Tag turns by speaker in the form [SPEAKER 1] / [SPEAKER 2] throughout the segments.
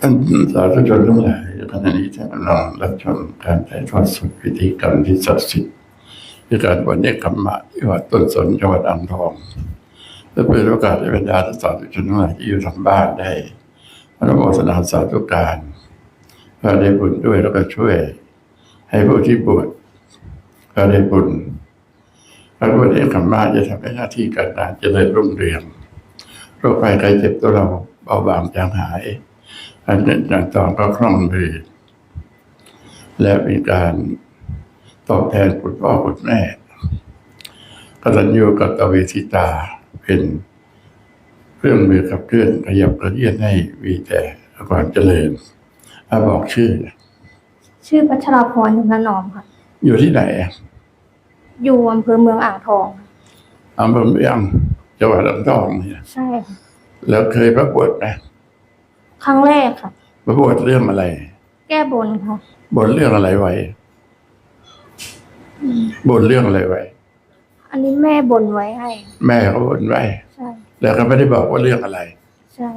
[SPEAKER 1] ท่านสาธุชนทั้งหลายขณะนี้ท่านกำลังรับชมการถ่ายทอดสดพิธีกรรมที่ศักดิ์สิทธิ์คือการบวชเนกขัมมะที่วัดต้นสนจังหวัดอ่างทองเพื่อเปิดโอกาสให้บรรดาสาธุชนทั้งหลายที่อยู่ทางบ้านได้อนุโมทนาสาธุการเพื่อได้บุญด้วยแล้วก็ช่วยให้ผู้ที่บวชก็ได้บุญการบวชเนกขัมมะจะทำให้หน้าที่การงานเจริญรุ่งเรืองโรคภัยไข้เจ็บตัวเราเบาบางจางหายการเงินการทองก็คล่องมือและมีการตอบแทนคุณพ่อคุณแม่กตัญญูกตเวทิตาเป็นเครื่องมือขับเคลื่อนขยับกระเยียนให้มีแต่ความเจริญบอกชื่อ
[SPEAKER 2] พัชราพรถนอมค่ะ
[SPEAKER 1] อยู่ที่ไหน
[SPEAKER 2] อยู่อำเภอเมืองอ่างทอง
[SPEAKER 1] อำเภอเมืองจังหวัดอ่างทองเนี่ย
[SPEAKER 2] ใช่ค่ะ
[SPEAKER 1] แล้วเคยประกวดไหม
[SPEAKER 2] ครั้งแรกค่ะ
[SPEAKER 1] ประกวดเรื่องอะไร
[SPEAKER 2] แก้บนค่ะ
[SPEAKER 1] บนเรื่องอะไรไว้บนเรื่องอะไรไว้
[SPEAKER 2] อันนี้แม่บนไว้ให้
[SPEAKER 1] แม่เขาบนไว้
[SPEAKER 2] ใช่
[SPEAKER 1] แล้วก็ไม่ได้บอกว่าเรื่องอะไร
[SPEAKER 2] ใช่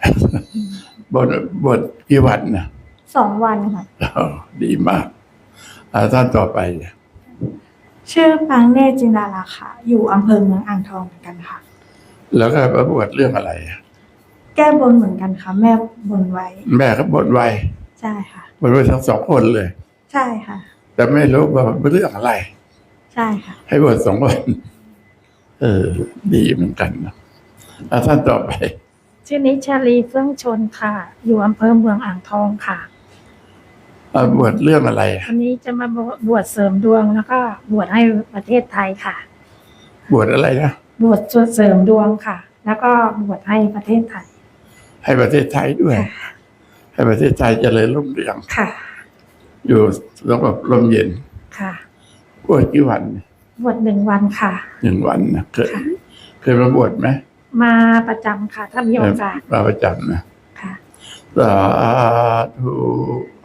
[SPEAKER 1] บนกี่วันนะ
[SPEAKER 2] 2 วันค่ะ
[SPEAKER 1] ดีมากท่านต่อไป
[SPEAKER 3] ชื่อปังเนตรจินดาราค่ะอยู่อำเภอเมืองอ่างทองเหมือนกันค่ะ
[SPEAKER 1] แล้วก็ประกวดเรื่องอะไร
[SPEAKER 3] แก้บนเหมือนกันค่ะแม่บนไว้
[SPEAKER 1] แม่ก็บนไว้
[SPEAKER 3] ใช่ค่ะ
[SPEAKER 1] บนไว้ทั้ง2 คนเลย
[SPEAKER 3] ใช่ค่ะ
[SPEAKER 1] แต่ไม่รู้ว่าเรื่องอะไร
[SPEAKER 3] ใช่ค่ะ
[SPEAKER 1] ให้บน2 วันดีเหมือนกันนะท่านต่อไป
[SPEAKER 4] ชื่อนิชาลีเฟื่องชนค่ะอยู่อำเภอเมืองอ่างทองค่ะ
[SPEAKER 1] บวชเรื่องอะไร
[SPEAKER 4] วันนี้จะมาบวชเสริมดวงแล้วก็บวชให้ประเทศไทยค่ะ
[SPEAKER 1] บวชอะไรนะ
[SPEAKER 4] บวชเสริมดวงค่ะแล้วก็บวชให้ประเทศไทย
[SPEAKER 1] ให้ประเทศไทยด้วยให้ประเทศไทยเจริญรุ่งเรือง
[SPEAKER 4] ค่ะ
[SPEAKER 1] อยู่สงบร่มเย็น
[SPEAKER 4] ค่ะ
[SPEAKER 1] บวชกี่วัน
[SPEAKER 4] บวช1 วันค่ะ
[SPEAKER 1] 1 วันนะเคยมาบวชไหม
[SPEAKER 4] มาประจำค่ะถ้ามีโอกาส
[SPEAKER 1] มาประจำนะ
[SPEAKER 4] ค่ะ
[SPEAKER 1] สาธุ